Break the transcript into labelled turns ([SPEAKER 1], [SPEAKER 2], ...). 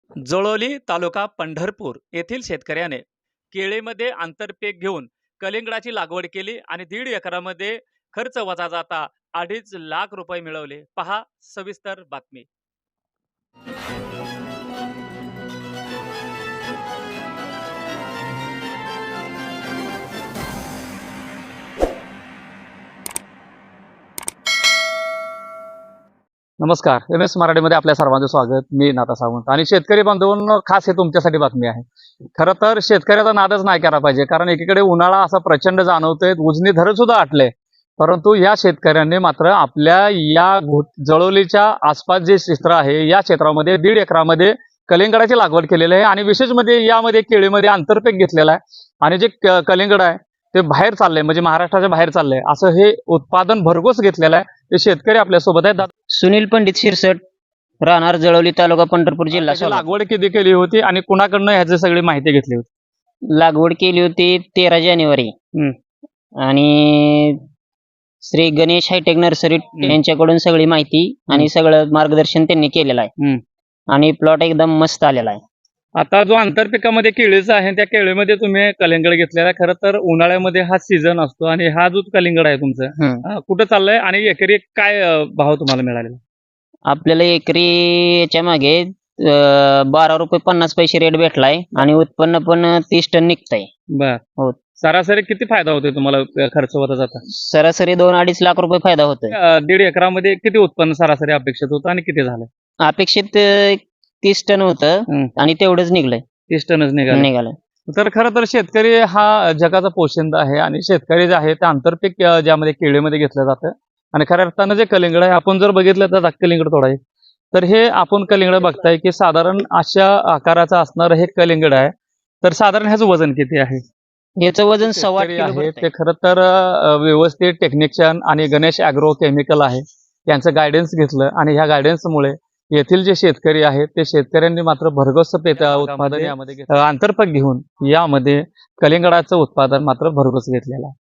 [SPEAKER 1] जळोली तालुका पंढरपूर येथील शेतकऱ्याने केळीमध्ये आंतरपीक घेऊन कलिंगडाची लागवड केली आणि 1.5 एकरामध्ये खर्च वजा जाता 2.5 लाख रुपये मिळवले. पहा सविस्तर बातमी.
[SPEAKER 2] नमस्कार. MS मराठीमध्ये आपल्या सर्वांचं स्वागत. मी नाथा सावंत आणि शेतकरी बांधवांनो, खास हे तुमच्यासाठी बातमी आहे. खरं तर शेतकऱ्याचा नादच नाही केला पाहिजे, कारण एकीकडे उन्हाळा असा प्रचंड जाणवतोय, उजनी धरण सुद्धा आटले. परंतु या शेतकऱ्यांनी मात्र आपल्या या जळोलीच्या आसपास जे क्षेत्र आहे या क्षेत्रामध्ये 1.5 एकरामध्ये कलिंगडाची लागवड केलेली आहे आणि विशेष म्हणजे यामध्ये केळीमध्ये आंतरपीक घेतलेला आहे आणि जे कलिंगड आहे ते बाहेर चाललंय, म्हणजे महाराष्ट्राच्या बाहेर चाललंय, असं हे उत्पादन भरघोस घेतलेलं आहे. ते शेतकरी आपल्यासोबत आहेत.
[SPEAKER 3] सुनील पंडित शिरसट, राहणार जळोली, तालुका पंढरपूर, जिल्हा
[SPEAKER 2] त्याची
[SPEAKER 3] सोलापूर.
[SPEAKER 2] लागवड किती केली होती आणि कुणाकडनं ह्याची सगळी माहिती घेतली होती?
[SPEAKER 3] लागवड केली होती 13 जानेवारी आणि श्री गणेश हायटेक नर्सरी यांच्याकडून सगळी माहिती आणि सगळं मार्गदर्शन त्यांनी केलेलं आहे आणि प्लॉट एकदम मस्त आलेला आहे.
[SPEAKER 2] आता जो आंतरपिकामध्ये केळीचा आहे त्या केळीमध्ये तुम्ही कलिंगड घेतलेला आहे. खरं तर उन्हाळ्यामध्ये हा सीझन असतो आणि हा जो कलिंगड आहे तुमचा कुठं चाललाय आणि एकरी काय भाव तुम्हाला मिळालेला?
[SPEAKER 3] आपल्याला एकरी याच्या मागे 12 रुपये 50 पैसे रेट भेटलाय आणि उत्पन्न पण 30 टन निघतंय.
[SPEAKER 2] बर
[SPEAKER 3] हो.
[SPEAKER 2] सरासरी किती फायदा होतोय तुम्हाला खर्च होता जाता?
[SPEAKER 3] सरासरी 2-2.5 लाख रुपये फायदा होतोय.
[SPEAKER 2] 1.5 एकरामध्ये किती उत्पन्न सरासरी अपेक्षित होतं आणि किती झालं?
[SPEAKER 3] अपेक्षित 30 टन होतं आणि तेवढंच निघलंय.
[SPEAKER 2] 30 टनच निघालं. तर खरं तर शेतकरी हा जगाचा पोशिंदा आहे आणि शेतकरी जे आहे ते आंतरपीक ज्यामध्ये केळीमध्ये घेतलं जातं आणि खऱ्या अर्थानं जे कलिंगड आहे, आपण जर बघितलं तर कलिंगड थोडा आहे, तर हे आपण कलिंगड बघताय की साधारण अशा आकाराचं असणारं हे कलिंगड आहे. तर साधारण ह्याचं वजन किती आहे?
[SPEAKER 3] याचं वजन 1.25
[SPEAKER 2] शेतकरी
[SPEAKER 3] किलो
[SPEAKER 2] आहे
[SPEAKER 3] भरतंय.
[SPEAKER 2] ते खरं तर व्यवस्थित टेक्निशियन आणि गणेश ॲग्रो केमिकल आहे यांचं गायडन्स घेतलं आणि ह्या गायडन्समुळे येथील जे शेतकरी आहेत ते शेतकऱ्यांनी मात्र भरघोस उत्पादन यामध्ये आंतरपीक घेऊन यामध्ये कलिंगडाचं उत्पादन मात्र भरघोस घेतलेलं आहे.